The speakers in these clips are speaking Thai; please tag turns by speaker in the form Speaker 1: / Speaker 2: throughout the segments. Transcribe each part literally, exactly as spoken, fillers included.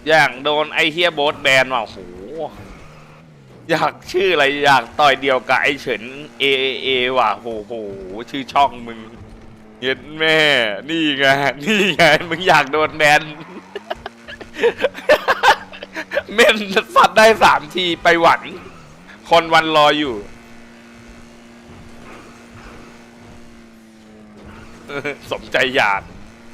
Speaker 1: อย่างโดนไอเฮียโบ๊ทแบนว่ะโหอยากชื่ออะไรอยากต่อยเดียวกับไอเฉินเอเอว่ะโหโหชื่อช่องมึงเย็ดแม่นี่ไงนี่ไงมึงอยากโดนแบน เม่นสัตว์ได้สามทีไปหวันคนวันรออยู่ สมใจอยาก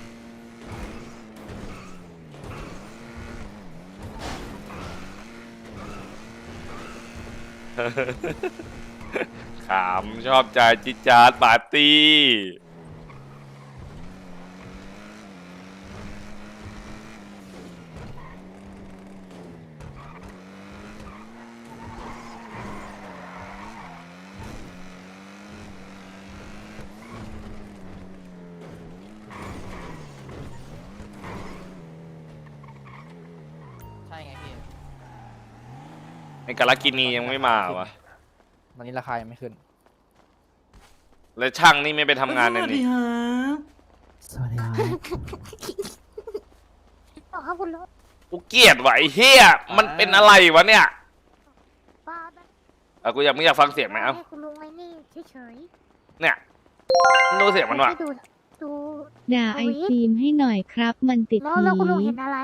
Speaker 1: ขำชอบใจจิจาร์ปาร์ตี้
Speaker 2: ใช่ไงพี่
Speaker 1: ไอ้กาลากินียังไม่มาวะ
Speaker 2: ตอนนี้ราคายังไม่ขึ้น
Speaker 1: แล้วช่างนี่ไม่ไปทำงานเลยนี่
Speaker 2: สวัสดีครับ
Speaker 3: อ๋อครับคุณลุง
Speaker 1: กูเกลียดว่ะไอ้เฮียมันเป็นอะไรวะเนี่ย
Speaker 3: ป้า
Speaker 1: อ่ะกูอยากมึงอยากฟังเสียงไหมเอ้า
Speaker 3: ให้คุณลุงไอ้นี่เฉย
Speaker 1: เนี่ยดูเสียง
Speaker 3: ๆ
Speaker 1: มันว่ะ
Speaker 3: ให้ดูดู
Speaker 4: ด่าไอฟิล์มให้หน่อยครับ มันติด
Speaker 3: แล้ว
Speaker 4: ผี
Speaker 3: แล้วคุณลุงเห็นอะไร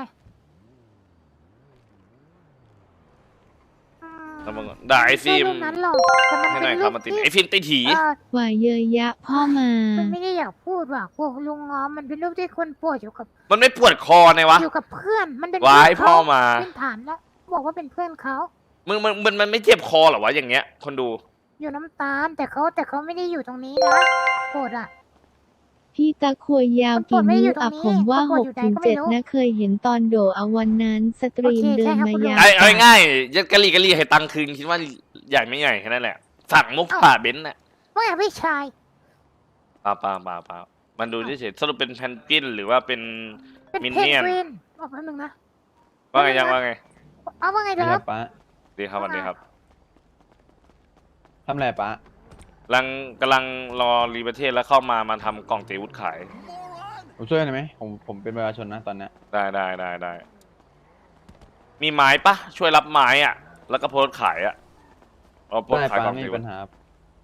Speaker 3: อืม
Speaker 1: แล้วมึงด่าไอ้ฟิล์ม
Speaker 3: ไม่ใช่เรื่องนั้นหรอกแต่มัน
Speaker 1: ให้
Speaker 3: เป็
Speaker 1: หน่อย
Speaker 3: น
Speaker 1: ครับ
Speaker 3: เรื่อง
Speaker 1: มันติด
Speaker 3: ที่
Speaker 1: ไอ้ฟิล์มติดถี
Speaker 3: เออ
Speaker 4: ว่าเยอะยะพ่อมา
Speaker 3: มันไม่ได้อยากพูดว่ะพวกลุงง้อมันเป็นรูปที่คนป่วยอยู่กับ
Speaker 1: มันไม่ปวดคอไงวะ
Speaker 3: อยู่กับเพื่อนมันเป็น
Speaker 1: วาย
Speaker 3: เพื่นเข
Speaker 1: พ่อมา
Speaker 3: เป็นฐานแล้วบอกว่าเป็นเพื่อนเขา
Speaker 1: มึงมันมันมันไม่เจ็บคอเหรอวะอย่างเงี้ย คนดู
Speaker 3: อยู่น้ำตาลแต่เขาแต่เขาไม่ได้อยู่ตรงนี้นะโกรธอ่ะ
Speaker 4: พี่ตะควยยาว
Speaker 3: มันปว
Speaker 4: กี่
Speaker 3: ดไม่ได้
Speaker 4: นิ้
Speaker 3: อยู่
Speaker 4: ว
Speaker 3: ตรง
Speaker 4: อ่ะ
Speaker 3: นี้
Speaker 4: ผมว่า
Speaker 3: มันป
Speaker 4: ห
Speaker 3: วด
Speaker 4: ก
Speaker 3: อยู่ไหน
Speaker 4: ถึง
Speaker 3: ก็ไม่
Speaker 4: เจ็ด
Speaker 3: รู้
Speaker 4: นะเคยเห็นตอนโดเอาวันนั้นสตรีม
Speaker 3: โอเค
Speaker 4: เดิ
Speaker 3: ใช่
Speaker 4: น
Speaker 3: ครับ
Speaker 4: มา
Speaker 3: คุณลุง
Speaker 4: ยาว
Speaker 1: ไอ้เอาง่ายๆยัดกะลีกะลีให้ตังค์คืนคิดว่าใหญ่ไม่ใหญ่แค่นั้นแหละ สั่งมุกผ่าเบนซ์น่ะ
Speaker 3: ว่าไงพี่ชาย
Speaker 1: เปล่าเปล่าเปล่าเปล่ามันดูเฉยๆสรุปเป็นแพนกวินหรือว่าเป็น
Speaker 3: เป็น
Speaker 1: มิน
Speaker 3: เพน
Speaker 1: เนี่ยน
Speaker 3: กวินบอกแป๊บนึงนะ
Speaker 1: ว่าไงยังว่าไง
Speaker 3: เอาว่าไง
Speaker 5: ไม่
Speaker 3: เด้
Speaker 5: ค
Speaker 3: อ
Speaker 5: รับป้า
Speaker 1: ดีครับสวันดีครับ
Speaker 5: ทำอะไรป้าก
Speaker 1: ำลังกำลังรอรีประเทศแล้วเข้ามามาทำกล่องเตวุฒขาย
Speaker 5: ผมช่วยได้ไหมผมผมเป็นประชาชนนะตอนเนี้ย
Speaker 1: ได้ได้ได้ได้มีไม้ปะช่วยรับไม้อ่ะ แล้วก็โพสต์ขายอ่ะเอาโพส
Speaker 5: ได้
Speaker 1: ต์ขาย
Speaker 5: ป้าก
Speaker 1: ล่อง
Speaker 5: ไม่
Speaker 1: เต
Speaker 5: มี
Speaker 1: วุ
Speaker 5: ปั
Speaker 1: ฒ
Speaker 5: ญหาครับ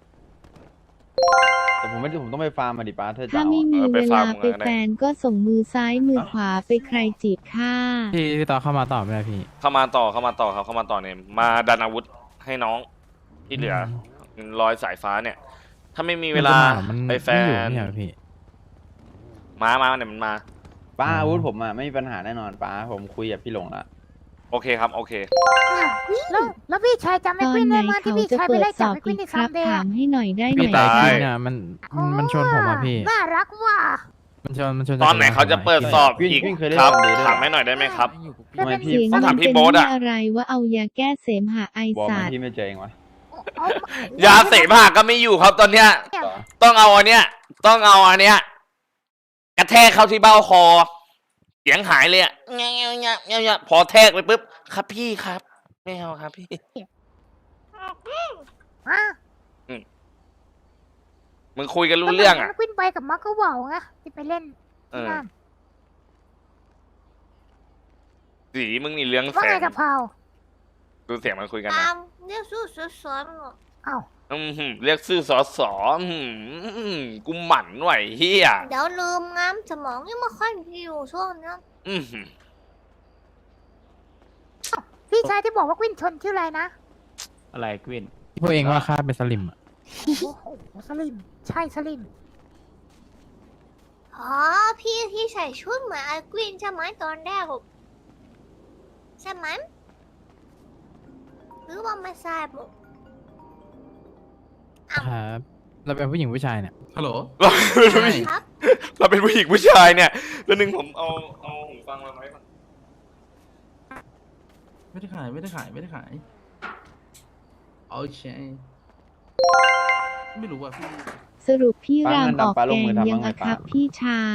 Speaker 5: แต่ผมไม่ได้ผมต้องไปฟาร์มมาดิป้าถ้าจะ
Speaker 4: ถ้า
Speaker 5: เอา
Speaker 4: ไม่
Speaker 5: อะ
Speaker 4: มี
Speaker 1: เออไป
Speaker 4: เว
Speaker 1: ฟา
Speaker 4: ลา
Speaker 1: ร์ม
Speaker 4: ไป
Speaker 1: กันก็ได้
Speaker 4: แฟนก็ส่งมือซ้ายมือขวาไปใครจีบข้า
Speaker 6: พี่พี่ต่อเข้ามาต่อไม่ได้พี่
Speaker 1: เข้ามาต่อเข้ามาต่อครับเข้ามาต่อเนี่ยมาดันอาวุธให้น้องที่เหลือรอยสายฟ้าเนี่ย ถ้าไม่มีเวลา
Speaker 6: มัน
Speaker 1: ไปแฟ
Speaker 6: ไม่อยู่
Speaker 1: น
Speaker 6: ไม่ใช่เหรอพี่
Speaker 1: มามาเนี่ยมันมา
Speaker 5: ป้า
Speaker 6: อ๋ออ
Speaker 5: อาวุธผมอ่ะไม่มีปัญหาแน่นอนป้าผมคุยกับพี่หลงละ
Speaker 1: โอเคครับโอเค
Speaker 3: แล้วแล้วพี่ชายจำ
Speaker 4: ต
Speaker 3: ไอ้
Speaker 4: อน
Speaker 3: ควิน
Speaker 4: ไหน
Speaker 3: ได้ไหมที่
Speaker 4: เขา
Speaker 3: พี่
Speaker 4: จะ
Speaker 3: ชายไป
Speaker 4: เปิด
Speaker 3: ไล่
Speaker 4: ส
Speaker 3: จับ
Speaker 4: อบ
Speaker 3: ไอ้ควิ
Speaker 4: อี
Speaker 3: น
Speaker 4: ก
Speaker 3: ใน
Speaker 4: ค
Speaker 3: ซั
Speaker 4: รั
Speaker 3: ม
Speaker 4: บ
Speaker 3: เดย์
Speaker 4: ถามให้หน่อยได้ไหม
Speaker 1: พี่
Speaker 6: แต่
Speaker 1: ตาย
Speaker 6: จริงๆอ่ะมันมันมันชวนผมอ่ะพี่
Speaker 3: น่ารักว่ะ
Speaker 6: มันชวนมันชวน
Speaker 1: ตอนไหนเขาจะเปิดสอบ
Speaker 5: วิ่ง
Speaker 1: อีก
Speaker 5: วิ่งเคยเล่น
Speaker 1: ครับ
Speaker 5: ซัมเดย์ด้วย
Speaker 1: ถามให้หน่อยได้ไหมครับ
Speaker 5: ทำไมพี่
Speaker 4: เสียง
Speaker 1: ต้อง
Speaker 4: มั
Speaker 1: ถาม
Speaker 4: น
Speaker 1: พี่
Speaker 4: เป็น
Speaker 1: โบ๊ท
Speaker 4: เรื่
Speaker 1: อะ
Speaker 4: องอะไรว่าเอายาแก้เสมหะไอ
Speaker 5: บอก
Speaker 4: สั
Speaker 5: มา
Speaker 4: ตว์
Speaker 5: พี่ไม่เจอเองวะ
Speaker 3: เอา
Speaker 1: ยาเสพหาก็ไม่อยู่ครับตอนเนี้ย
Speaker 3: เนี่ย
Speaker 5: ต่อ
Speaker 1: ต้องเอาอันเนี้ย ต้องเอาอันเนี้ยกระแทกเข้าที่เบ้าคอ เสียงหายเลยอะเงี้ยเงี้ยเงี้ยเงี้ยเงี้ยพอแทกไปปุ๊บครับพี่ครับไม่เอาครับพี่
Speaker 3: อ่ะ
Speaker 1: มึงคุยกันรู้เรื่องอ่ะ
Speaker 3: ควินไปกับมาร์คเวาไงที่ไปเล่น
Speaker 1: เอ
Speaker 3: ที่
Speaker 1: อ
Speaker 3: นั่น
Speaker 1: สีมึงนี่เรื่อง
Speaker 3: ว่า
Speaker 1: แส
Speaker 3: ไง
Speaker 1: ง
Speaker 3: กับเพรา
Speaker 1: ดูเสียงมันคุยกันนะ
Speaker 7: ตามเรียกสู้สวนๆหรอก
Speaker 3: เอ้า
Speaker 1: อืมหืมเรียกชื่อสอสออืมกูหมั่นไหวเฮีย
Speaker 7: เดี๋ยวลืมง้ำสมองยังไม่ค่อยดีอยู่ช่วงนี้
Speaker 1: อืมหืม
Speaker 3: พี่ชายที่บอกว่าควินชนชื่ออะไรนะ
Speaker 6: อะไรกวินพวกเองว่าข้าเป็นสลิมอ่ะ
Speaker 3: โอ้โหสลิม ใช่สลิม
Speaker 7: อ๋อพี่ที่ใส่ชุดเหมือนไอ้กวินใช่ไหมตอนแรกผมใช่ไหมหรือว่าไม่ทราบลูก
Speaker 6: ครับ เราเป็นผู้หญิงผู้ชายเนี่ย
Speaker 8: ฮัลโหล
Speaker 1: เราเป็นผู้หญิง
Speaker 7: ครับ
Speaker 1: เราเป็นผู้หญิงผู้ชายเนี่ยแล้วหนึ่งผมเอาเอาหูฟังมาไหมก่อน
Speaker 8: ไม่ได้ขายไม่ได้ขายไม่ได้ขายโอเคไม่รู้ว่าพี่
Speaker 4: สรุปพี่
Speaker 5: ป้าร
Speaker 4: าม
Speaker 5: เงิน
Speaker 4: ออก
Speaker 5: ดำป้าล
Speaker 4: แก
Speaker 5: ง
Speaker 4: ง
Speaker 5: มือทำ
Speaker 4: ยัง
Speaker 5: บ้างไหม
Speaker 4: อะครับ
Speaker 5: ป้า
Speaker 4: พี่ชาย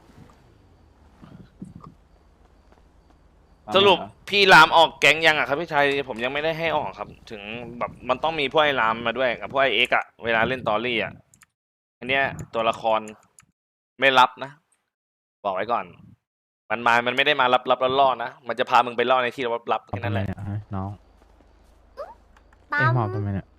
Speaker 1: สรุปพี่รามออกแก๊งยังอ่ะครับพี่ชายผมยังไม่ได้ให้ออกครับ ถึงแบบมันต้องมีพวกไอ้รามมาด้วยกับพวกไอ้เอ็กอะเวลาเล่นตอรี่อะอันเนี้ยตัวละครไม่รับนะ บอกไว้ก่อนมันมา มันไม่ได้มารับรับล่อๆนะ มันจะพามึงไปล่อในที่รับรับๆ
Speaker 6: เอา
Speaker 1: แค่
Speaker 6: ไป
Speaker 1: นั้น
Speaker 6: เล
Speaker 1: แห
Speaker 6: ย
Speaker 1: ละ
Speaker 6: เนี่ยฮะน้อง
Speaker 7: ปั๊
Speaker 6: เอ็ง
Speaker 7: ม
Speaker 6: หอบทำไมเนี่ย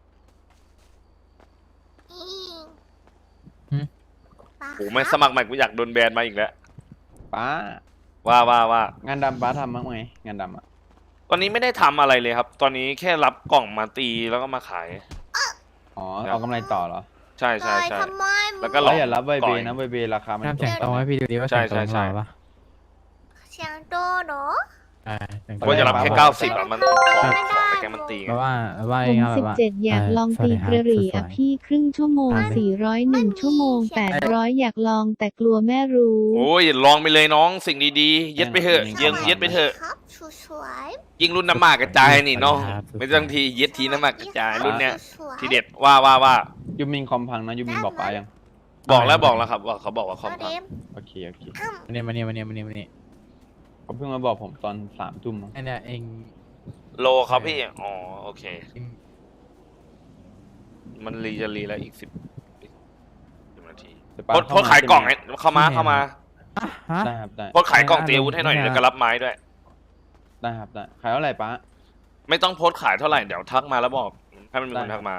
Speaker 7: อี
Speaker 6: หึ
Speaker 7: ป้า
Speaker 1: โอ้ไม่สมัครใหม่กูอยากโดนแบนมาอีกแล้ว
Speaker 5: ป้า
Speaker 1: ว่าว่าว่า
Speaker 5: งานดำป้าทำบ้างไหมงานดำอ่ะ
Speaker 1: ตอนนี้ไม่ได้ทำอะไรเลยครับ ตอนนี้แค่รับกล่องมาตีแล้วก็มาขาย
Speaker 5: อ๋อเอากำไรต่อเหรอ
Speaker 1: ใช่ใช่
Speaker 7: เลย
Speaker 1: ใช่
Speaker 7: ทำไม
Speaker 1: แล้วก็
Speaker 5: เราอย่ารับใบเบ
Speaker 1: ก่อน
Speaker 5: นะใบเบราคามัน
Speaker 6: ห้าม
Speaker 5: ต
Speaker 6: เสียง
Speaker 5: ก
Speaker 6: โตให้พี่ดูดิว่า
Speaker 1: ใช่
Speaker 6: เสียงโต
Speaker 1: ใช่
Speaker 6: ของเรา
Speaker 1: ใช่
Speaker 6: ปะ
Speaker 7: เสียงโตเนาะ
Speaker 6: ใช่เสียงโต
Speaker 1: ว่าจะรับแค่เก้าสิบอะมันของของไปแกมันตี
Speaker 6: เพ
Speaker 1: ไง
Speaker 6: ราะว่าว่า
Speaker 4: ผ
Speaker 6: เอง
Speaker 4: ม
Speaker 6: อะแบ
Speaker 4: สิ
Speaker 6: บบ ว่า
Speaker 4: เจ็ดอยากลองตีกระหรี่อ่ะพี่ครึ่งชั่วโมง
Speaker 6: อ่า
Speaker 4: สี่ร้อยหนึ่งชั่วโมงแปดร้อยอยากลองแต่กลัวแม่รู้
Speaker 1: โอ้ยลองไปเลยน้องสิ่งดีๆ เย็ดไปเถอะเย็ดเย็ดไปเถอะ
Speaker 7: ครับสวย
Speaker 1: ยิงรุ่นน้ำหมากกระจายนี่น้อง ไม่ต้องทีเย็ดทีน้ำหมากกระจายรุ่นเนี้ย
Speaker 7: สวย
Speaker 1: ทีเด็ดว่าว่าว่า
Speaker 5: ยูมินคอมพังนะยูมินบอกป้ายัง
Speaker 1: บอกแล้วบอกแล้วครับว่าเขาบอกว่าค
Speaker 7: ก็
Speaker 1: อมพั
Speaker 7: เด
Speaker 1: ง
Speaker 7: ม
Speaker 5: โอเคโอเค
Speaker 7: อ้ำ
Speaker 6: มาเนี่ยมาเนี่ยมาเนี่ยมาเนี่ยมาเนี่ย
Speaker 5: เขาเพิ่งมาบอกผมตอนสามทุ่มมั้ง
Speaker 6: ไอเนี่ยเอง
Speaker 1: โลครับพี่อ๋อโอเค
Speaker 6: เอง
Speaker 1: มันรีจะรีแล้วอีกสิบสิบนาที
Speaker 5: แต่ป้า
Speaker 1: โพสโพสขายกล่องให้เข้ามาเข้ามา
Speaker 6: อ่ะฮะ
Speaker 5: ได้ครับได้
Speaker 1: โพสขายกล่องตีอาวุธให้หน่อยแล้วก็รับไม้ด้วย
Speaker 5: ได้ครับได้ขายเท่าไหร่ป้า
Speaker 1: ไม่ต้องโพสขายเท่าไหร่เดี๋ยวทักมาแล้วบอกให้มันมีคนทักมา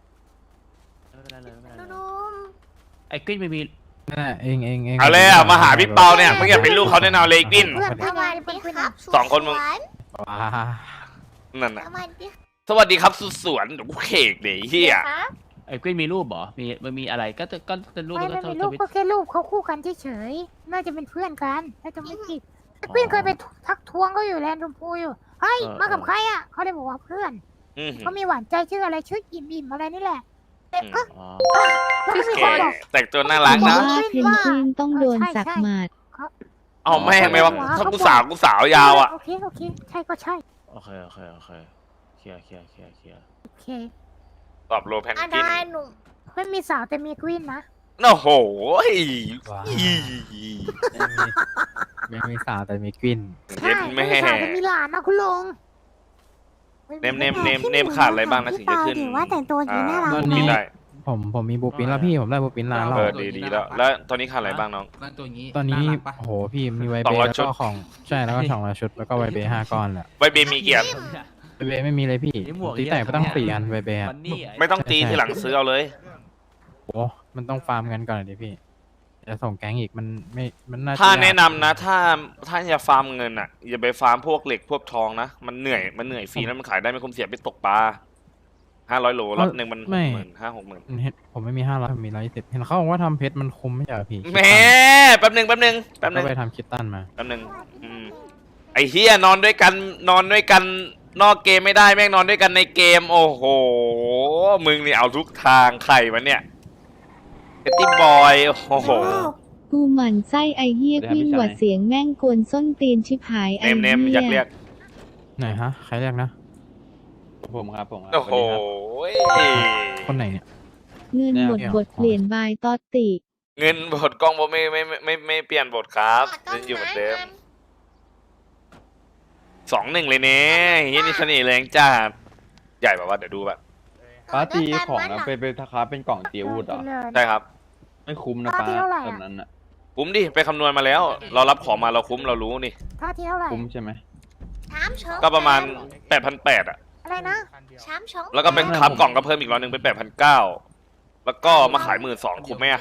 Speaker 7: นุ่ม
Speaker 9: ไอ้กวินไม่มี
Speaker 6: นั่นแหละเองเองเอง
Speaker 1: เอาเลยอ่ะมาหาพี่เปาเนี่ยมึงอย่าเป็นลูกเขาแน่นอนเลยกิน
Speaker 3: เพื่อน
Speaker 7: ๆ
Speaker 3: เพื่
Speaker 7: ส
Speaker 3: อน
Speaker 7: วัส
Speaker 3: เพื่
Speaker 7: ดี
Speaker 3: อนเพื่อน
Speaker 7: ครับ
Speaker 1: สองคนมึง
Speaker 7: สวย
Speaker 6: ว้า
Speaker 1: นั่นน่ะ
Speaker 7: สวัสดี
Speaker 1: สวัสดีครับสุดสวนโอ้โหเคกเดี๋ยวเฮีย
Speaker 7: ครับ
Speaker 9: ไอ้กวินมีรูปเหรอมีมันมีอะไรก็จะก็จะรูป
Speaker 3: ไม่
Speaker 9: แล้ว
Speaker 3: ไม่
Speaker 9: ก็
Speaker 3: มี
Speaker 9: ท
Speaker 3: รูป
Speaker 9: วิต
Speaker 3: ก็แค่รูปเขาคู่กันเฉยๆน่าจะเป็นเพื่อนกันน่าจะไม่ผิดแต่เพื่อนเคยไปทักทวงเขาอยู่แลนด์ชมพูอยู่เฮ้ยมากับใครอ่ะเขาเลยบอกว่าเพื่อน
Speaker 1: อืม
Speaker 3: เขามีหวานใจชื่ออะไรชื่ออิ่มอิ่มอะไรนี่แหละแต่เออ
Speaker 9: อ๋อ
Speaker 3: แล้วก็มี
Speaker 1: แก
Speaker 3: คนบอก
Speaker 1: แต่งตัวน่ารัก
Speaker 4: บอ
Speaker 1: นะ
Speaker 4: กว่าเพนกวินต้องโดนสักหมัด
Speaker 1: เอาแม่งไม่ว่าถ้ากูสาวกูสาวยาวอ่ะ
Speaker 3: โอเคโอเคใช่ก็ใช่
Speaker 9: โอเคโอเคโอเคเคลียร์เคลียร์เคลียร์เคลียร์
Speaker 3: โอเค
Speaker 1: ตอบโลแพน
Speaker 7: อะ
Speaker 1: กิ
Speaker 7: ไร
Speaker 1: น
Speaker 7: หนุ่ม
Speaker 3: ไม่มีสาวแต่มีกวินนะ
Speaker 1: โอ้โห
Speaker 6: ว้า
Speaker 1: อี
Speaker 6: ไม่มีไม่มีสาวแต่มีกวิน
Speaker 3: ใช่
Speaker 1: เย็ดแม่
Speaker 3: ไม่มีสาวแต่มีหลานนะคุณลุง
Speaker 1: เนมเนมเนมเนมขาดอะไรบ้างนะถึงจะขึ้น
Speaker 3: ว่าแต่งตัวดีน่ารัก
Speaker 6: ตอน
Speaker 1: บิ
Speaker 6: นี้
Speaker 1: นได้
Speaker 6: ผมผมมีบูปินแล้วพี่ผมได้บูปินลานแล้ว
Speaker 1: เออดีดีแล้ว แล้วตอนนี้ขาดอะไรบ้างน้อง
Speaker 8: นั่นตัวอย่างงี้
Speaker 6: ตอนนี้
Speaker 8: ารักปะ
Speaker 6: โอ้โหพี่มีไว
Speaker 1: ส
Speaker 6: เบ
Speaker 1: องร้อย
Speaker 6: แล้ว
Speaker 1: ชุด
Speaker 6: ก็ของใช่แล้วก็สองร้อยชุดแล้วก็ไวเบห้าก้อนแหละ
Speaker 1: ใบเบมีเกียรติ
Speaker 6: ไวเบไม่มีเลยพี่
Speaker 9: นี่หมวก
Speaker 6: ตีแตกไปตั้งสี่อันไวเบอะ
Speaker 9: มันนี่
Speaker 1: ไม่ต้องตีทีหลังซื้อเอาเลย
Speaker 6: โอ้มันต้องฟาร์มกันก่อนดิพี่จะส่งแก๊งอีกมันไม่มันน่าจ
Speaker 1: ถ้าย
Speaker 6: ก
Speaker 1: แนะนำนะ ถ้าถ้าจะฟาร์มเงินอ่ะ อย่าไปฟาร์มพวกเหล็กพวกทองนะ มันเหนื่อยมันเหนื่อยฟรีแล้วมันขายได้ไม่คุ้มเสียไปตกปลาห้าร้อยโลรอบหนึ่งมันหกหมื่นห้าหกหมื่น
Speaker 6: เห็นผมไม่มีห้าร้อยผมมีร้อยยี่สิบเห็นเขาบอกว่าทำเพชรมันคุ้มไม่ใช่เหรอพี่
Speaker 1: แหม่แป๊บหนึ่งแป๊บหนึ่งแป๊บห
Speaker 6: ก็
Speaker 1: นึ่ง
Speaker 6: ไปทำคิตตันมา
Speaker 1: แป๊บหนึ่งอืมไอ้เฮียนอนด้วยกันนอนด้วยกันนอกเกมไม่ได้แม่งนอนด้วยกันในเกม โอ้โหมึงนี่เอาทุกทางใครวะเนี่ยเฮตตี้บอยโอ้โห
Speaker 4: กูหมั่นไส้ไอเฮียกวินหวัดเสียงแม่งกวนส้นตีนชิบหาย
Speaker 1: เน
Speaker 4: ไอ
Speaker 1: มเน
Speaker 4: เฮี
Speaker 1: มอยากเรีย
Speaker 4: ย
Speaker 1: ก
Speaker 6: ไหนฮะใครเรียกนะ
Speaker 5: ผมครับผมครับ
Speaker 1: โอ้โห
Speaker 5: สวัสดีครับ
Speaker 6: คนไหนเนี่ย
Speaker 4: เงินหมดบทเปลี่ยนบายตอตติ
Speaker 1: เงินบทกล้องผมไม่ไม่ไม่ไม่ไม่เปลี่ยนบทครับ
Speaker 7: ต้
Speaker 1: ยังอยู่เหมือนเดิม
Speaker 7: ไ
Speaker 1: สองหนึ่งเลยเนี่ยเฮียนี่เสน่ห์แรงจ้าใหญ่แบบว่าเดี๋ยวดูแบบ
Speaker 5: ป้าตีของ
Speaker 7: นะ
Speaker 5: นะไปไปทาคาเป็นกล่องตีอาวุธเหรอ
Speaker 1: ใช่ครับ
Speaker 5: ไม่คุ้มนะป้า
Speaker 3: ป้าตีเท่าไหร่อะ
Speaker 5: แบบนั้นอ่ะ
Speaker 1: คุ้มดิไปคำนวณมาแล้ว เรารับของมาเราคุ้มเรารู้นี่
Speaker 3: ท่าที่เท่าไหร่
Speaker 5: คุ้มใช่ไหม
Speaker 7: ถามเฉิง
Speaker 1: ก็ประมาณแปดพันแปดอ่ะ
Speaker 3: อะไรนะ
Speaker 7: ถามเฉิง
Speaker 1: แล้วก็เป็นครับกล่องก็เพิ่มอีกร้อยหนึ่งเป็นแปดพันเก้าแล้วก็มาขายหมื่นสองคุ้มไหมอะ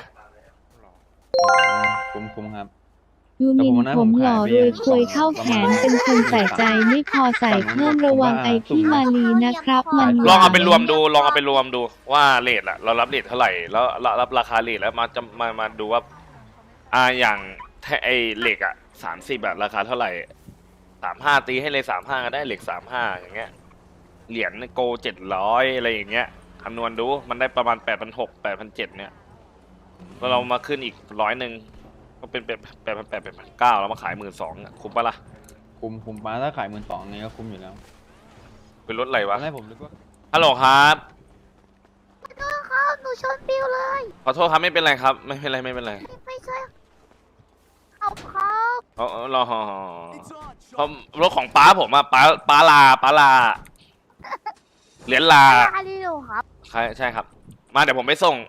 Speaker 5: คุ้มคุ้มครับ
Speaker 4: ยูมิน
Speaker 5: แต่
Speaker 4: ผ
Speaker 5: ผม
Speaker 4: ม
Speaker 5: ว่า
Speaker 4: หล่อ
Speaker 5: ผม
Speaker 4: รวย
Speaker 5: ขาย
Speaker 4: ควยเข้าแขนเป็นคนใส่ใจไม่พอใส่เพิ่มระวังไอพี่มาลีนะครับ มัน
Speaker 1: ลองเอาไปรวมดูลองเอาไปรวมดูว่าเลทอะเรารับเลทเท่าไหร่แล้วเรารับราคาเลทแล้วมาจะมามาดูว่าอ่าอย่างแทไอเหล็กอะสามสิบอะราคาเท่าไหร่สามห้าตีให้เลยสามห้าก็ได้เหล็กสามห้าอย่างเงี้ยเหรียญโกเจ็ดร้อยอะไรอย่างเงี้ยคำนวณดูมันได้ประมาณแปดพันหกแปดพันเจ็ดเนี่ยแล้วเรามาขึ้นอีกร้อยหนึ่งก็เป็นแปดแปดพันแปดแปดพันเก้าแล้วมาขายหมื่นสองคุ้มปะล่ะ
Speaker 5: คุ้มคุ้มป้าถ้าขายหมื่นสองนี่ก็คุ้มอยู่แล้ว
Speaker 1: เป็นรถอะไร
Speaker 5: ตอ
Speaker 1: วะ
Speaker 5: นแรกผมนึกว่า
Speaker 1: ฮัลโหลครับ
Speaker 3: ครับหนูชนปิวเลย
Speaker 1: ขอโทษครับไม่เป็นไรครับ ไม่เป็นไรไม่เป็นไร
Speaker 3: ไม่ใช่เอาครับ
Speaker 1: เอ๋อรอเพราะรถของป้าผมอะป้าป้าลาป้าลาเหรียญลา
Speaker 3: อาริโลครับ
Speaker 1: ใช่ใช่ครับ มาเดี๋ยวผมไปส่ง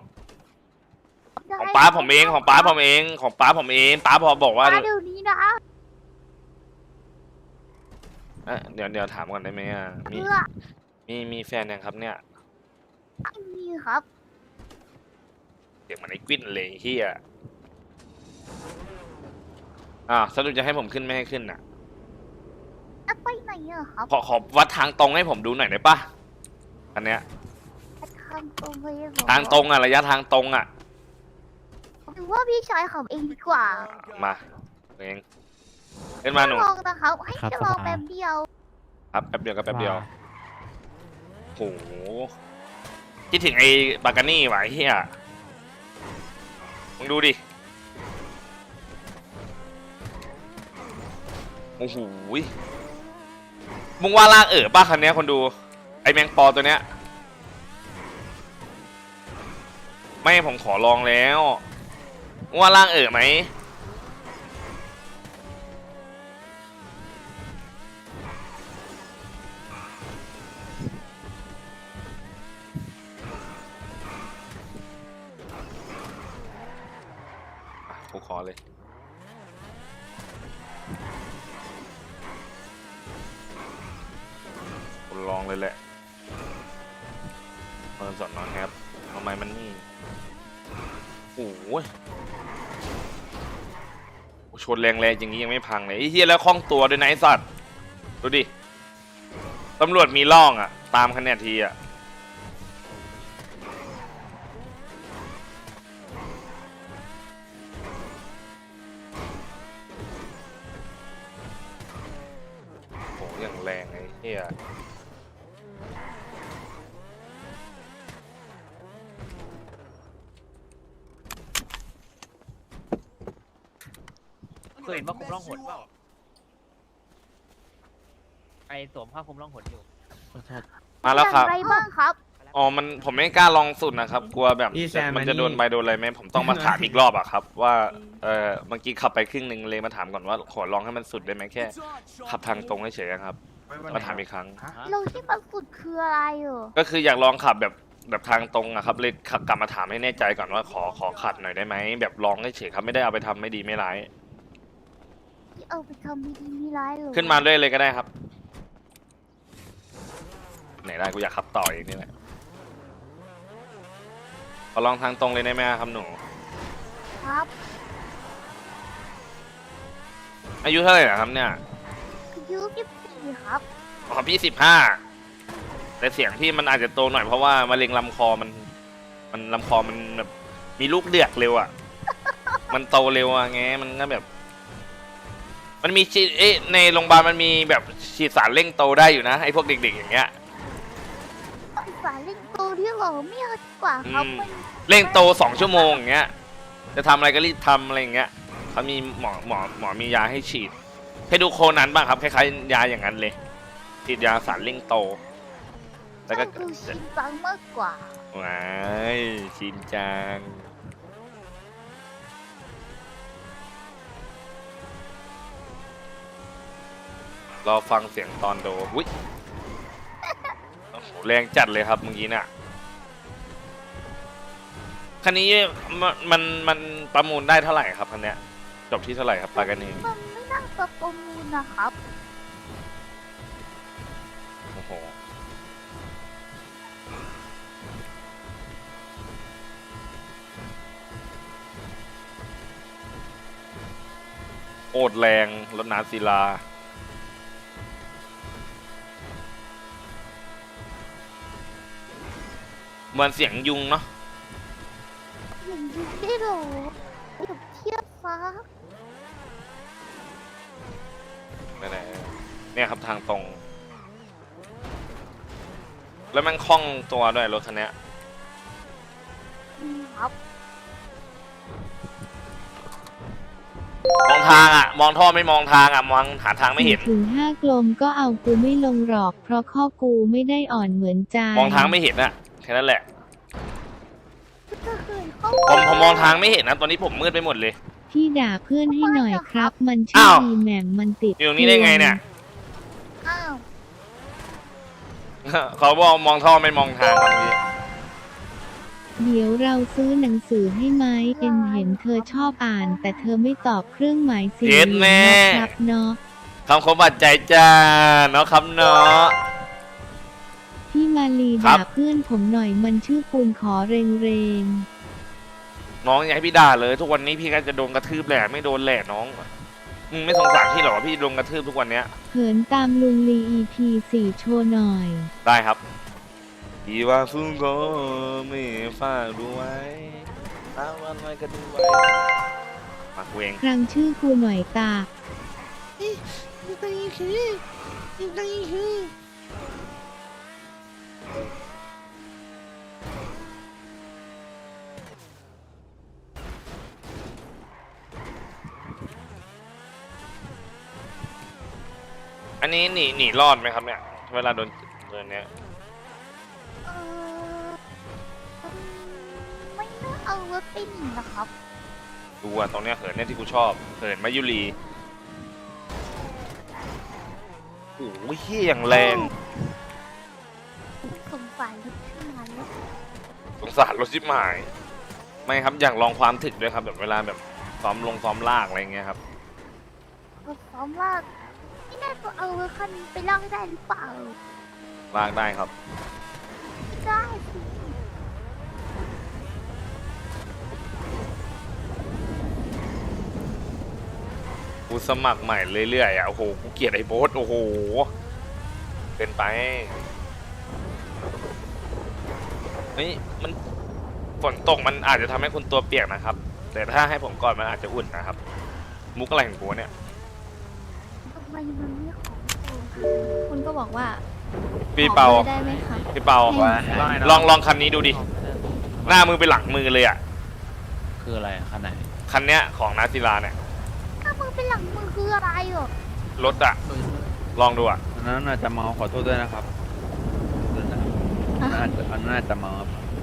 Speaker 1: ของป้าผมเองของป้าผมเองของป้าผมเองป้าพอบอกว่า
Speaker 3: ป้าเดี๋ยวนี้นะ
Speaker 1: อ่ะเดี๋ยวเดี๋ยวถามก่อนได้ไหมอ่ะมี
Speaker 3: เพื่อ
Speaker 1: มีมีแฟนยังครับเนี่ย
Speaker 3: ไม่มีครับ
Speaker 1: เสียงเหมันไอ้กวิ้นเลยเฮียอ่าสรุปจะให้ผมขึ้นไม่ให้ขึ้นอ่ะ
Speaker 3: จะไปไหนอะครับ
Speaker 1: ขอขอวัดทางตรงให้ผมดูหน่อยได้ปะอันเนี้ย
Speaker 3: ทางตรงเลยเหรอ
Speaker 1: ทางตรงอ่ะระยะทางตรงอ่ะ
Speaker 3: หรือว่าพี่ชายขับเองดีกว่า
Speaker 1: มาเองขึ้นมาหนู
Speaker 3: ลองนะครับ ให้
Speaker 6: ครับ
Speaker 3: แค่ลอง
Speaker 6: สบาย
Speaker 3: แป๊บเดียว
Speaker 1: ครับแป๊บเดียวกับแป๊บเดียวโหคิดถึงไอ้บากานี่ว่ะไอ้เฮียมึงดูดิโอ้โหมึงว่าลากเอ๋อป้าคันเนี้ยคนดูไอ้แมงปอตัวเนี้ยไม่ผมขอลองแล้วมึงว่าลากเอ๋อไหมกูขอเลยกูลองเลยแหละเปิดสอนนอนครับทำไมมันนี่โอ้ยชนแรงๆอย่างนี้ยังไม่พังเลยไอ้เหี้ยแล้วคล่องตัวด้วยนะไอ้สัตว์ดูดิตำรวจมีล่องอ่ะตามคะแนนทีอ่ะโหอย่างแรงไอ้เหี้ย
Speaker 9: เคยเห็นว่าคุมร่องหนเปล่าไอสวมผ้าคลุมร่องหนอยู่
Speaker 1: มาแล้วครับ
Speaker 3: อย่างไรบ้างครับ
Speaker 1: อ๋อ มันผมไม่กล้าลองสุดนะครับ กลัวแบบมันจะโดนใบโดนอะไรไหมผมต้องมาถามอีกรอบอะครับ ว่า เออเมื่อกี้ขับไปครึ่งหนึ่งเลยมาถามก่อนว่าขอลองให้มันสุดได้ไหมแค่ ขับทางตรงเฉยๆครับ มาถามอีกครั้ง
Speaker 3: เราที่มันสุดคืออะไรเหรอ
Speaker 1: ก็คืออยากลองขับแบบแบบทางตรงอะครับเลยขับกลับมาถามให้แน่ใจก่อนว่าขอขอขัดหน่อยได้ไหมแบบลองเฉยๆครับไม่ได้เอาไปทำไม่ดีไม่ร้าย
Speaker 3: ที่เอาไปทำไม่ดีไม่ร้ายเหรอ
Speaker 1: ขึ้นมาด้วยเลยก็ได้ครับ ไหนได้กูอยากขับต่ออีกนี่แหละขอลองทางตรงเลยได้ไหมครับหนู
Speaker 3: ครับ
Speaker 1: อายุเท่าไหร่นะครับเนี่ย
Speaker 3: อายุยี่สิบสี่ครับ
Speaker 1: อ๋อพี่สิบห้าแต่เสียงพี่มันอาจจะโตหน่อยเพราะว่ามะเร็งลำคอมันมันลำคอมันแบบมีลูกเดือกเร็วอ่ะ มันโตเร็วอ่ะไงมันก็แบบ มันมีฉีดเอ๊ะในโรงพยาบาลมันมีแบบฉีดสารเร่งโตได้อยู่นะไอ้พวกเด็กๆอย่างเงี้ย
Speaker 3: สายเล่นโตที่เหรอไม่เอาดีกว่าครับ
Speaker 1: อืม
Speaker 3: มัน
Speaker 1: เร่งโตสองชั่วโมงอย่างเงี้ยจะทำอะไรก็รีบทำอะไรอย่างเงี้ยเขามีหมอหมอหมอมียาให้ฉีดให้ดูโคนันบ้างครับคล้ายๆยาอย่างนั้นเลยฉีดยาสารเร่งโตแล้วก็
Speaker 3: ก็ดูชินจังมากกว่า
Speaker 1: ว้ายชินจังรอฟังเสียงตอนโดอุ้ยโอ้โหแรงจัดเลยครับเมื่อกี้น่ะคันนี้มันมันมันประมูลได้เท่าไหร่ครับคันเนี้ยจบที่เท่าไหร่ครับปากันนี้
Speaker 3: มันไม่น่าจะประมูลนะครับ
Speaker 1: โอ้โหโอดแรงรถน้ำศิลาเหมือนเสียงยุงเนาะ
Speaker 3: อย่างนี้ได้เหรอเปรียบเทียบฟ้า
Speaker 1: ไหนๆเนี่ยครับทางตรง แล้วมันคล่องตัวด้วยรถคันเนี้ย
Speaker 3: อืมครับ
Speaker 1: มองทางอ่ะ มองท่อไม่มองทางอ่ะ มองหาทางไม่เห็น
Speaker 4: ถึงห้ากลมก็เอากูไม่ลงหรอก เพราะข้อกูไม่ได้อ่อนเหมือนใจ
Speaker 1: มองทางไม่เห็นอ่ะ แค่นั้นแหละ
Speaker 3: ก็คือเข้า
Speaker 1: ผมผมมองทางไม่เห็นนะ ตอนนี้ผมมืดไปหมดเลย
Speaker 4: พี่ด่าเพื่อนให้หน่อยครับ มันชื่อ
Speaker 1: อ้าว
Speaker 4: ดีแหม่มมันติด
Speaker 1: อยู่ตรงนี้ได้ไงเนี่ย
Speaker 3: อ้าว
Speaker 1: เขาบอกมองท่อไม่มองทางครับเมื่อกี้
Speaker 4: เดี๋ยวเราซื้อหนังสือให้ไหมเอ็นเห็นเธอชอบอ่าน แต่เธอไม่ตอบเครื่องหมายสี่เหลี่ยมนะครับเนาะ
Speaker 1: คำคมบาดใจจ้าเนาะครับเนาะ
Speaker 4: พี่มาลี
Speaker 1: ครั
Speaker 4: ด่า
Speaker 1: บ
Speaker 4: เพื่อนผมหน่อยมันชื่อปูนขอเรงเรง
Speaker 1: น้องอย่าให้พี่ด่าเลย ทุกวันนี้พี่ก็จะโดนกระทืบแหละไม่โดนแหละน้องมึงไม่สงสารพี่หรอพี่โดนกระทืบทุกวันเนี้ย
Speaker 4: เขินตามลุงลี อี พี สี่โชว์หน่อย
Speaker 1: ได้ครับอีว่าฟุ้งก็ไม่ฝากดูไว้ตามวันไว้ก็ดูไว้มากูเอง
Speaker 4: ครั้งชื่อกูหน่อยตา
Speaker 1: อันนี้หนีหนีรอดไหมครับเนี่ยเวลาโดนโดนเนี้ย
Speaker 3: เออไม่น่าเอารถไปหนีนะครับ
Speaker 1: ดูอ่ะตรงเนี้ยเหินเนี่ยที่กูชอบเหินมายุรีโอ้ยเฮี้ยอย่างแรง
Speaker 3: สงสารรถขึ้นมาแล้ว
Speaker 1: สงสารรถชิบหายไม่ครับอยากลองความถึกด้วยครับแบบเวลาแบบซ้อมลงซ้อมลากอะไรเงี้ยครับ
Speaker 3: รถซ้อมลากไม่น่าจะเอารถคันนี้ไปลากได้หรือเปล่า
Speaker 1: ลากได้ครับ
Speaker 3: ได้สิ
Speaker 1: กูสมัครใหม่เรื่อยๆอ่ะโอ้โหกูเกลียดไอ้โบ๊ทโอ้โหเกินไปเฮ้ยมันฝนตกมันอาจจะทำให้คุณตัวเปียกนะครับ แต่ถ้าให้ผมก่อนมันอาจจะอุ่นนะครับ มุกอะไรของกูเนี่ย
Speaker 3: ทำไมมันไม่ของกู
Speaker 7: คุณก็บอกว่า
Speaker 1: พี่เปา
Speaker 7: ขอบอร์ได้ไหมครับ
Speaker 1: พี่เปา
Speaker 5: ว่า
Speaker 1: ลองลองคันนี้ดูดิหน้ามือไปหลังมือเลยอ่ะ
Speaker 9: คืออะไรขนาด
Speaker 1: คันเนี้ยของนาศิลาเนี่ย
Speaker 3: ถ้ามึงเป็นหลังมึงคืออะไรเหรอ
Speaker 1: รถอ่ะลองดูอ่ะ
Speaker 5: อันนั้นอาจจะเมาขอโทษด้วยนะครับขอโทษนะครับอันนั้นอาจจะอันนั้นอาจจะเมาครับ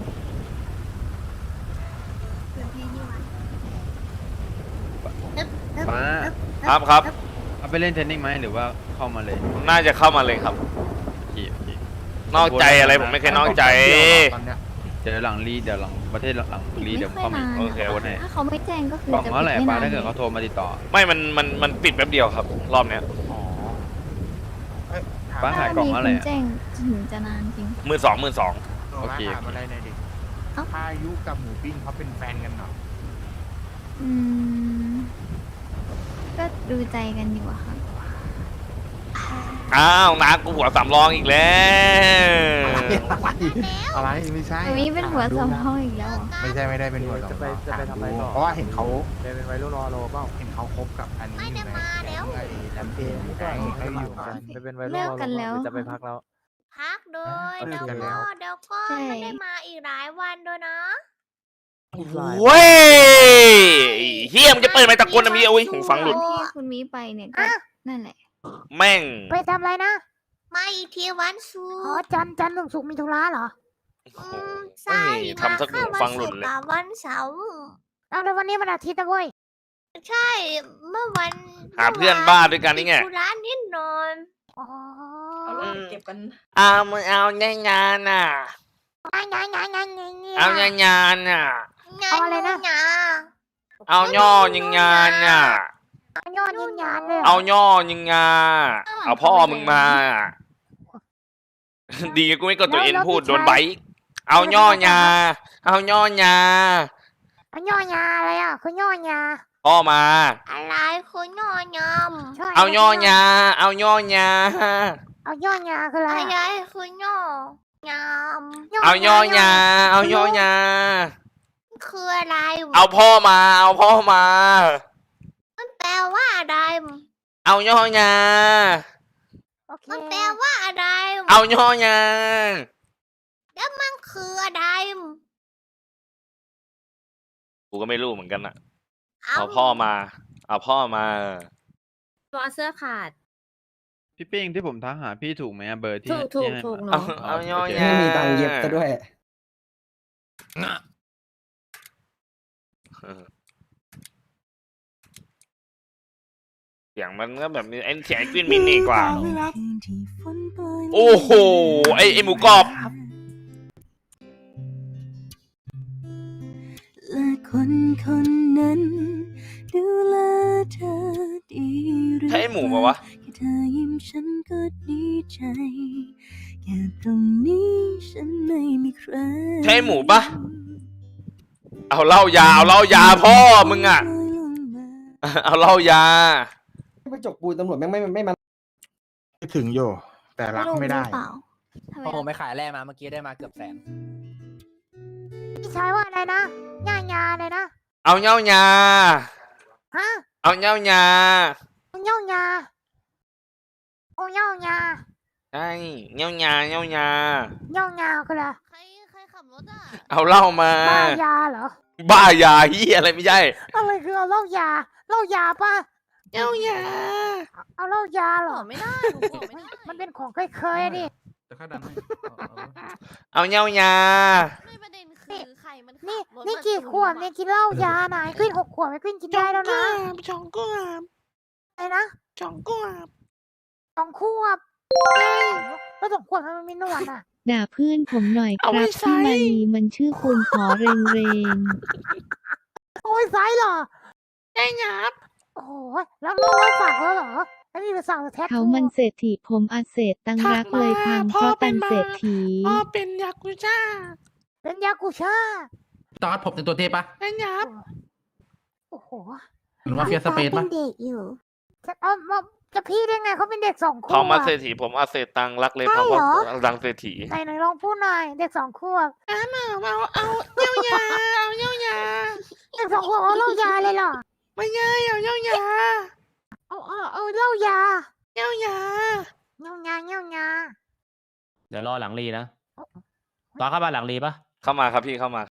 Speaker 5: ป้า
Speaker 1: ครับครับ
Speaker 5: เอาไปเล่นเทนนิสไหมหรือว่าเข้ามาเลย
Speaker 1: น่าจะเข้ามาเลยครับ
Speaker 5: โอเคโอเคน
Speaker 1: อกใจอะไรผมไม่เคยนอกใจ
Speaker 6: ตอนเนี้ย
Speaker 5: เดี๋ยวหลังรีเดี๋ยวหลังประเทศหลังรีเดี๋ยวเข้ามา
Speaker 1: โอเค
Speaker 5: โอนให้
Speaker 7: ถ้าเขาไม่แจ้งก็คือก
Speaker 5: ล่อง
Speaker 7: จะ
Speaker 5: เท่าไหร่
Speaker 7: ปิด
Speaker 5: ป้า
Speaker 7: ไม่น
Speaker 5: ถ้าเกิดเขาโทรมาติดต่อ
Speaker 1: ไม่มันมันมันปิดแป๊บเดียวครับ รอบเนี้ย
Speaker 6: อ๋อเอ้ยถาม
Speaker 5: ป้าขายกล่อง
Speaker 7: มี
Speaker 5: เท่าไหร่
Speaker 7: คน
Speaker 5: อะ
Speaker 7: แจ้งถึงจะนานจริง
Speaker 1: หมื่นสองหมื่นสอง
Speaker 6: โอเคถามอะไรหน่อยดิ
Speaker 7: เอ้า
Speaker 6: พายุกับหมูปิ้งเขาเป็นแฟนกันเหรอ
Speaker 7: อืม ก็ดูใจกันอยู่อะค่ะ
Speaker 1: อ้าวนากูหัวสามรองอีกแล้ว
Speaker 6: อะไรไม่ใช่
Speaker 7: อันนี้เป็นหัวสมองอีกแล้วเหรอ
Speaker 6: ไม่ใช่ไม่ได้เป็นหัวสอง
Speaker 2: จะไปจะไปทำอะไรต่อ
Speaker 6: เพราะว่าเห็นเขาเป็นวัยรุ่นรอโลเปล่าเห็นเขาคบกับอันนี้
Speaker 7: ไม่
Speaker 6: อยู่
Speaker 7: ได้
Speaker 6: ไง
Speaker 7: มาแล้ว
Speaker 6: ไอ้แลมเพนแดงเขาอยู่กัน
Speaker 2: ไปเป็นวัยรุ่น
Speaker 7: เลิกกันแล้ว
Speaker 2: จะไปพักแล้ว
Speaker 7: พักโดย
Speaker 6: เลิ
Speaker 7: เดี๋ยว
Speaker 6: กกันแล้ว
Speaker 7: ก็เดี๋ยวก็ไม่ได้มาอีกหลายวันด้วยนะ
Speaker 1: เว้ยเฮียมงจะเปิดไมค์ตะโกนนะมีเอาไว้หูฟังหลุด
Speaker 7: ที่คุณมีไปเนี่ยก็นั่นแหละ
Speaker 1: แม่ง
Speaker 3: ไปทำอะไรนะ
Speaker 7: มาอีกทีวันศุ
Speaker 3: อ๋อก
Speaker 7: ร์
Speaker 3: จันทร์จันทร์ถึงศุกร์มีธุระเหรอ
Speaker 7: อืม
Speaker 1: เฮ้
Speaker 7: ใช่
Speaker 1: ยทำสักหูฟังหลุดเลย
Speaker 7: มาแค่วันศุกร์กับวันเสาร์
Speaker 3: เอาแล้ววันนี้มันอาทิตย์นะเว้ย
Speaker 7: ใช่ เมื่อวัน
Speaker 1: หาเพื่อนบ้าด้วยกันนี่ไง
Speaker 7: ติดธุระนิดหน่อย
Speaker 3: อ๋อ
Speaker 10: เก็บกัน
Speaker 1: เอามึงเอางานงานน่ะ
Speaker 3: งานงานงานงานงาน
Speaker 1: เอางานงานน่ะ
Speaker 7: งาน
Speaker 3: เอาอะไรนะ
Speaker 7: งาน
Speaker 1: เอาย่อยิงงานน่ะ
Speaker 3: เอายอดยิงงานเลย
Speaker 1: เอาย่อยิงงาเอาพ่อมึงมา ดีกูไม่กดตัวเอ็นพูดโดนไบค์เอาย่อยาเอาย่อยา
Speaker 3: เอายอดยาอะไรอ่ะคือยอดยา
Speaker 1: พ่อมา
Speaker 7: อะไรคือยอยำ
Speaker 3: ใช่
Speaker 1: เอาย่อยาเอาย่อยา
Speaker 3: เอายอดยาคืออะไร
Speaker 7: อะไร
Speaker 3: อะ
Speaker 7: คือย่อยำ
Speaker 1: เอาย่อยาเอาย่อยา
Speaker 7: คืออะไร
Speaker 1: เอาพ่อมาเอาพ่อมา
Speaker 7: มันแปลว่าอะไร
Speaker 1: เอาย่อยา
Speaker 3: โอเค
Speaker 7: มันแปลว่าอะไร
Speaker 1: เอาย่อยา
Speaker 7: แล้วมันคืออะไร
Speaker 1: กูก็ไม่รู้เหมือนกันอ่ะเอาพ่อมา เอาพ่อมา
Speaker 10: ตัวเสื้อขาด
Speaker 5: พี่ปิ้งที่ผมทักหาพี่ถูกไหมอะเบอร์ที่
Speaker 10: ถูกถูก
Speaker 5: ที่ให้
Speaker 10: ถูก
Speaker 5: มา
Speaker 10: เนาะ
Speaker 1: เอาเอาย่อยา
Speaker 2: ไม่มีตังค์เย็บซะด้วย
Speaker 1: เสียงมันก็แบบนี้ไอ้เสียงไอ้กวินมินนี่กว่า โอ้โห ไอ้ไอ้หมูกรอบ
Speaker 10: และคนคนนั้นดูแลเธอดีหรือ
Speaker 1: ใช่ไอ้หมูปะวะ
Speaker 10: คิดเธอยิ้มฉันก็ดีใจแค่ตรงนี้ฉันไม่มีใคร
Speaker 1: ใช่หมูปะเอาเหล้ายาเอาเหล้ายาพ่อมึงอ่ะ เอาเหล้ายา
Speaker 2: ไปจกปูนตำรวจแม่งไม่ไม่มา
Speaker 11: ถึงอยู่ แต่รักไม่ได้
Speaker 2: โอ้โหไม่ขายแร่มาเมื่อกี้ได้มาเกือบแสน
Speaker 3: พี่ชายว่าอะไรนะย่าญาเลยนะ
Speaker 1: เอาเงายา
Speaker 3: ฮะ
Speaker 1: เอาเงายา
Speaker 3: เอาเงาญาโอ้เงาญา
Speaker 1: ใช่เงายาเงายา
Speaker 3: เงาญาคืออะไร
Speaker 7: ใครใครขับรถอ่ะ
Speaker 1: เอาเหล้ามา
Speaker 3: บ้ายาเหรอ
Speaker 1: บ้ายาเฮียอะไรไม่ใช่
Speaker 3: อะไรคือเอาเหล้ายาเหล้ายาป่ะ
Speaker 1: เงายา
Speaker 3: เอาเหล้ายาเหร
Speaker 7: บ
Speaker 3: อ
Speaker 7: อกไม่ได้หนูบอกไม่ได้
Speaker 3: มันเป็นของเคยๆดิ
Speaker 8: จะค่าดันให้เอาเอา
Speaker 1: เอาเงายา
Speaker 7: ไม่ประเด็นคือใครมันขับ
Speaker 3: นี่
Speaker 7: รถ
Speaker 3: นี่
Speaker 7: มา
Speaker 3: กี่
Speaker 7: จู
Speaker 3: ขวบ
Speaker 7: อะ
Speaker 3: เนี่ยกินเหล้ายาไหนขึ้นหกขวบไม่ขึ้นกินได้แล้วนะ
Speaker 1: สองขวบ
Speaker 3: อะไรนะ
Speaker 1: สองขวบ
Speaker 3: สองขวบแล้วสองขวบมันมีหนวดอ่ะ
Speaker 4: ด่าเพื่อนผมหน่อยค
Speaker 1: เอาไว้
Speaker 4: รับ
Speaker 1: ใส่
Speaker 4: พี่มาลีมันชื่อคุณขอเรงเรง
Speaker 3: โอ้ยไซส์เหรอ
Speaker 1: ใช่ครับ
Speaker 3: โอ้โหแล้วน้องสั่งแล้วเหรอไม่มีไปสั่งแท็ท
Speaker 4: เขามันเศรษฐีผมอาเศษตังรักเลยพังเพราะตังเศรษฐี
Speaker 1: พ่อเป็นยากุซ่า
Speaker 3: เป็นยากุช่า
Speaker 8: ตอนผมแต่งตัวเทปะ
Speaker 1: ใช่ครับ
Speaker 3: โอ้โห
Speaker 8: หรือว่าเฟียสเปซปะ
Speaker 10: เด็กอยู่
Speaker 3: จะเอามาจะพี่ได้ไงเขาเป็นเด็กสองขวบ
Speaker 1: เขามาเศรษฐีผมอาเศษตังรักเลย
Speaker 3: ใช่
Speaker 1: เพราะ
Speaker 3: เหร
Speaker 1: ว่า
Speaker 3: อ
Speaker 1: ดังเศรษฐี
Speaker 3: ไหนไหนลองพูดหน่อยเด็กสองขวบ
Speaker 1: เอาเอาเอาเย้ายาเอาเย้ายา
Speaker 3: เด็กสองขวบเอาเหล้ายาเลยเหรอ
Speaker 1: ไม่ใช่เอาเย้ายา
Speaker 3: เอาเอาเอาเหล้ายา
Speaker 1: เย้ายา
Speaker 3: เงายาเงายา
Speaker 9: เดี๋ยวรอหลังรีนะ ตอนเข้ามาหลังรีปะ
Speaker 1: เข้ามาครับพี่เข้ามา